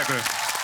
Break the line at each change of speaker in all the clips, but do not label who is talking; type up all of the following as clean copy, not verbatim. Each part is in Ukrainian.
Дякую.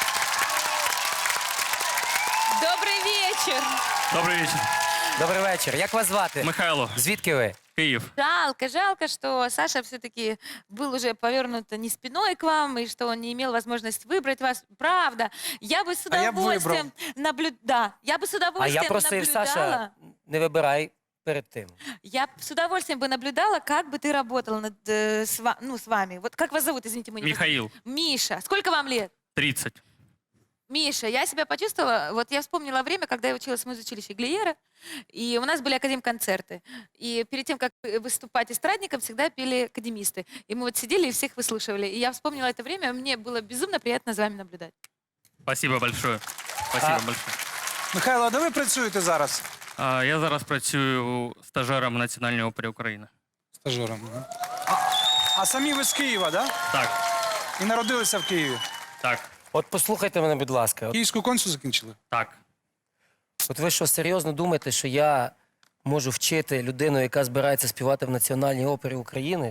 Добрый вечер.
Добрий вечір.
Добрий вечір. Як вас звати?
Михайло,
Звідки ви?
Київ.
Жалко, что Саша все-таки был уже повернут не спиной к вам, и что он не имел возможности выбрать вас. Правда. Я бы с
я б
удовольствием наблюдала. Я бы с
А
удовольствием
я просив,
наблюдала.
Саша, не вибирай перед тим.
Я б с удовольствием бы наблюдала, как бы ты работал над, с вами. Вот как вас зовут, извините, мы не
Михаил.
Миша. Сколько вам лет?
30.
Миша, я себя почувствовала, вот я вспомнила время, когда я училась в музучилище Глиера, и у нас были академконцерты. И перед тем, как выступать эстрадником, всегда пели академисты. И мы вот сидели и всех выслушивали. И я вспомнила это время, мне было безумно приятно за вами наблюдать.
Спасибо большое. Спасибо большое.
Михайло, а де ви працюєте зараз?
Я зараз працюю стажером Національної опери України.
Стажером. А самі ви з Києва, да?
Так,
І народилися в Києві.
так,
От послухайте мене, будь ласка.
Київську консу закінчили?
так.
От ви що, серйозно думаєте, що я можу вчити людину, яка збирається співати в Національній опері України?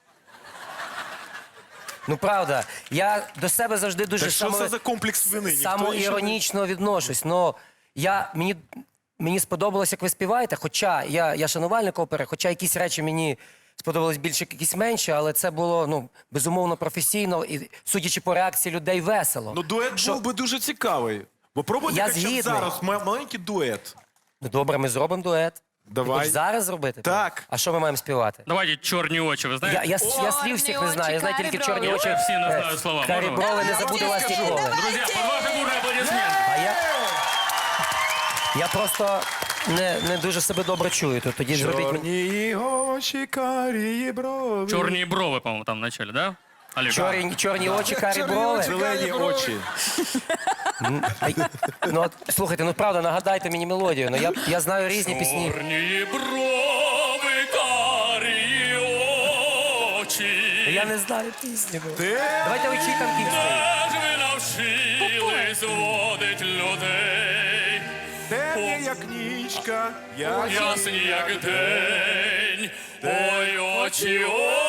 Ну, правда, я до себе завжди дуже
Так що це за комплекс вини? Ніхто
самоіронічно відношусь. Но мені сподобалось, як ви співаєте, хоча я шанувальник опери, хоча якісь речі мені сподобались більше, якісь менше, але це було, ну, безумовно, професійно і, судячи по реакції людей, весело.
Ну, дует був би дуже цікавий. Бо пробуйте
Я
хоча б
згідний.
зараз маленький дует.
Ну, добре, ми зробимо дует.
Давай.
Хоч зараз зробити?
Так.
А що ми маємо співати?
Давайте «Чорні очі», ви знаєте?
Я слів всіх не знаю, я знаю тільки
карі
чорні
брови.
очі.
Всі не знають слова.
Карі
Можна?
брови, не забуду вас ніколи.
Друзья, под ваши бурные аплодисменты.
А я просто не дуже себе добре чую, то тоді зробіть мені...
Чорні очі, карі брови.
Чорні брови, по-моему, там в начале, да? Олег?
Чорні очі, карі брови.
Зелені очі.
Ну, от, слухайте, ну правда, нагадайте мені мелодію. Ну, я знаю різні пісні.
Чорні брови, карі очі.
Я не знаю пісні. ну.
Ти?
Давайте учіть там кінці.
Де ж ви навчились водить людей?
Темні, як нічка,
Ясні, як день. Ой, очі,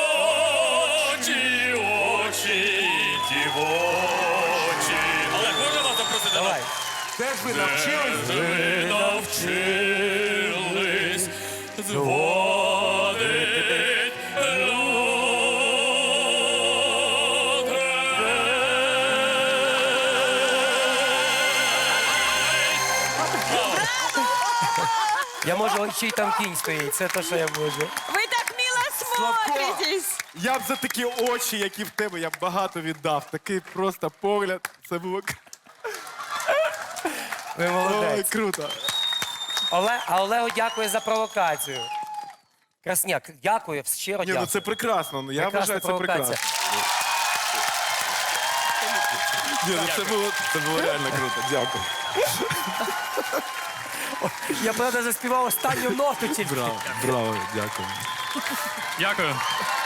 очі, очі, дівочі. Олег, можна вас запросити?
Давай.
Де ж ви навчились?
Ви навчились зводить
Я можу чий там кінь стоїть, це те, що я можу.
Вы так мило смотритесь.
Я б за такі очі, які в тебе, я б багато віддав. Такий просто погляд. Це було
Ви
Ой,
молодець.
круто.
А Олегу дякую за провокацію. Красняк, дякую, щиро
Ні, ну
дякую.
це прекрасно. Ну, я
Прекрасна
вважаю, це
провокація.
прекрасно. Ні, ну це було реально круто. Дякую.
Я правда заспівав останню ноту тільки.
Браво, браво, дякую.
Дякую.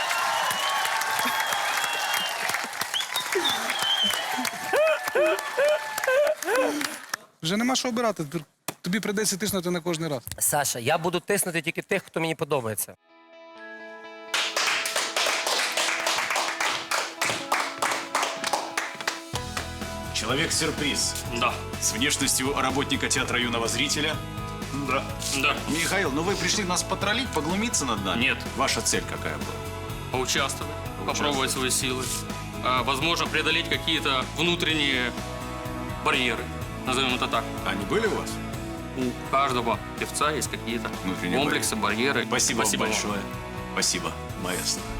Вже нема що обирати. Тобі прийдеться тиснути на кожний раз.
Саша, я буду тиснути тільки тих, хто мені подобається.
Человек-сюрприз.
Да,
С внешностью работника театра юного зрителя.
да, да.
Михаил, ну вы пришли нас потроллить, поглумиться над нами?
Нет.
Ваша цель какая была?
Поучаствовать, попробовать свои силы. Возможно, преодолеть какие-то внутренние барьеры, назовем это так.
Они были у вас?
У каждого певца есть какие-то
Внутренние
комплексы, барьеры.
Спасибо вам
вам.
большое. Спасибо, маэстро.